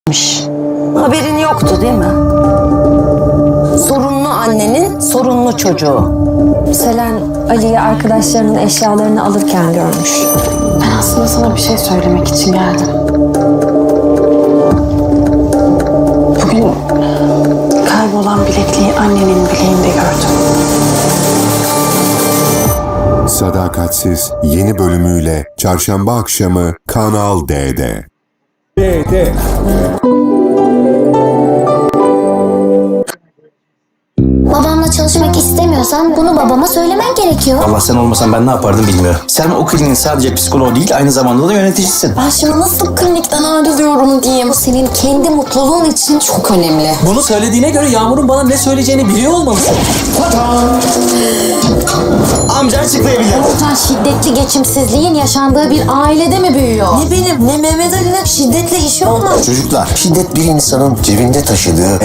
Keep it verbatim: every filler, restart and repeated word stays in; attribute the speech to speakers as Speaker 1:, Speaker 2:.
Speaker 1: Haberin yoktu değil mi? Sorunlu annenin sorunlu çocuğu.
Speaker 2: Selen Ali'yi arkadaşlarının eşyalarını alırken görmüş.
Speaker 3: Ben aslında sana bir şey söylemek için geldim. Bugün kaybolan bilekliği annenin bileğinde gördüm.
Speaker 4: Sadakatsiz yeni bölümüyle çarşamba akşamı Kanal D'de.
Speaker 5: D'de.
Speaker 6: Babamla çalışmak istemiyorsan bunu babama söylemen gerekiyor.
Speaker 7: Allah, sen olmasan ben ne yapardım bilmiyorum. Sen o kliniğin sadece psikoloğu değil, aynı zamanda da yöneticisisin.
Speaker 3: Ben şimdi nasıl klinikten ayrılıyorum diyeyim. Bu senin kendi mutluluğun için çok önemli.
Speaker 8: Bunu söylediğine göre Yağmur'un bana ne söyleyeceğini biliyor olmalısın.
Speaker 7: Amcan açıklayabilir.
Speaker 3: Sen şiddetli geçimsizliğin yaşandığı bir ailede mi büyüyor?
Speaker 1: Ne benim ne Mehmet Ali'nin şiddetle işi olmaz.
Speaker 9: Çocuklar, şiddet bir insanın cebinde taşıdığı